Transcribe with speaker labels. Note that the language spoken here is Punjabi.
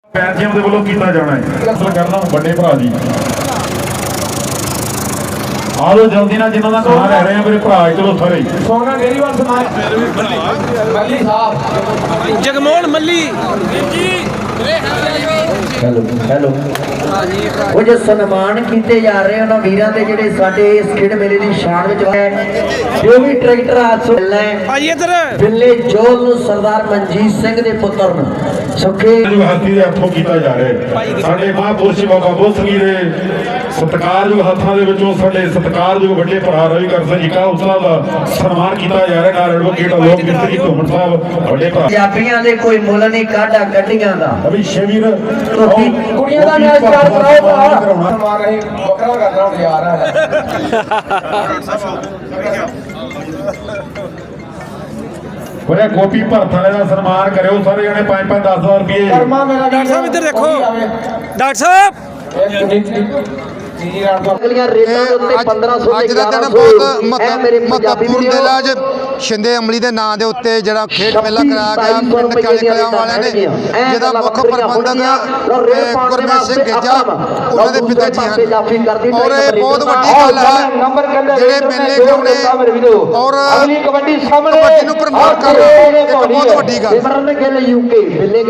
Speaker 1: ਪੈਨਸ਼ੀਅਨ ਦੇ ਵੱਲੋਂ ਕੀਤਾ ਜਾਣਾ ਹੈ ਅਸਲ ਕਰਨਾ ਵੱਡੇ ਭਰਾ ਜੀ ਆ ਲੋ ਜਲਦੀ ਨਾਲ ਜਿਨ੍ਹਾਂ ਦਾ ਨਾਂ ਲੈ ਰਹੇ ਆ ਮੇਰੇ ਭਰਾ ਚਲੋ ਸਾਰੇ
Speaker 2: ਸੋਨਾ ਡੇਰੀਵਾਲ ਸਮਾਜ ਮੱਲੀ ਸਾਹਿਬ
Speaker 3: ਜਗਮੋਹਨ ਮੱਲੀ ਜੀ
Speaker 4: ਹੈਲੋ ਹੈਲੋ ਉਹ ਜੋ ਸਨਮਾਨ ਕੀਤੇ ਜਾ ਰਹੇ ਉਹਨਾਂ ਵੀਰਾਂ ਦੇ ਜਿਹੜੇ ਸਾਡੇ ਇਸ ਖੇਡ ਮੇਲੇ ਦੀ ਸ਼ਾਨ ਵਿੱਚ ਹੈ ਜੋ ਵੀ ਟਰੈਕਟਰ ਹਾਦਸਾ ਹੈ
Speaker 3: ਭਾਈ ਇੱਧਰ
Speaker 4: ਬਿੱਲੇ ਜੋਲ ਨੂੰ ਸਰਦਾਰ ਮਨਜੀਤ ਸਿੰਘ ਦੇ ਪੁੱਤਰ ਨੂੰ ਸੁਖੇ
Speaker 1: ਜੋ ਹਾਥੀ ਦੇ ਹੱਥੋਂ ਕੀਤਾ ਜਾ ਰਿਹਾ ਹੈ ਸਾਡੇ ਮਹਾਂਪੁਰਸ਼ ਬਾਬਾ ਬੁੱਧ ਸਿੰਘ ਜੀ ਦੇ ਸਤਿਕਾਰਯੋਗ ਹੱਥਾਂ ਦੇ ਵਿੱਚੋਂ ਸਾਡੇ ਸਤਿਕਾਰਯੋਗ ਵੱਡੇ ਭਰਾ ਰਵਿਕਰ ਸਿੰਘ ਜੀ ਕਾਲਸਾ ਦਾ ਸਨਮਾਨ ਕੀਤਾ ਜਾ ਰਿਹਾ ਨਾਲ ਐਡਵੋਕੇਟ ਲੋਕ ਮਿਸਤਰੀ ਘੁੰਮਣ ਸਾਹਿਬ ਵੱਡੇ ਭਰਾ
Speaker 4: ਪੰਜਾਬੀਆਂ ਦੇ ਕੋਈ ਮੁੱਲ ਨਹੀਂ ਕਾਢਾ ਗੱਡੀਆਂ ਦਾ
Speaker 1: ਅਭੀ ਸ਼ੇਵੀਰ
Speaker 2: ਕੁੜੀਆਂ ਦਾ ਮੈਚ ਸਟਾਰਟ ਕਰਾਓ ਮਾਰ ਰਹੀ ਬੱਕਰਾ ਕਰਨਾ ਹੁਣ ਯਾਰ ਹੈ
Speaker 1: ਉਹਨੇ ਗੋਪੀ ਭਰਤ ਵਾਲੇ ਦਾ ਸਨਮਾਨ ਕਰਿਓ ਸਾਰੇ ਜਣੇ 5-5 10,000 ਰੁਪਏ
Speaker 2: ਕਰਮਾ ਮੇਰਾ
Speaker 3: ਡਾਕਟਰ ਸਾਹਿਬ ਇੱਧਰ ਦੇਖੋ ਡਾਕਟਰ ਸਾਹਿਬ
Speaker 4: ਅਗਲੀਆਂ ਰੇਟਾਂ ਦੇ ਉੱਤੇ 1500
Speaker 5: ਅੱਜ ਦਾ ਦਿਨ ਬਹੁਤ ਮਹੱਤਵਪੂਰਨ ਦਿਨ ਹੈ। ਅੱਜ ਸ਼ਿੰਦੇ ਅਮਲੀ ਦੇ ਨਾਂ ਦੇ ਉੱਤੇ ਜਿਹੜਾ ਖੇਡ ਮੇਲਾ ਕਰਾਇਆ ਗਿਆ ਪਿੰਡ ਕਾਲੇ ਕਲਿਆਂ ਵਾਲਿਆਂ ਨੇ ਜਿਹਦਾ ਮੁੱਖ ਪ੍ਰਬੰਧਕ ਗੁਰਮੇਸ਼ ਸਿੰਘ ਗੇਜਾ ਉਹਨਾਂ ਦੇ ਪਿਤਾ ਜੀ ਹਨ ਔਰ ਇਹ ਬਹੁਤ ਵੱਡੀ ਗੱਲ ਹੈ ਜਿਹੜੇ ਮੇਲੇ ਕਰਾਉਣੇ ਔਰ ਕਬੱਡੀ ਨੂੰ ਪ੍ਰਮੋਟ ਕਰਨਾ ਇੱਕ ਬਹੁਤ ਵੱਡੀ ਗੱਲ
Speaker 4: ਯੂਕੇ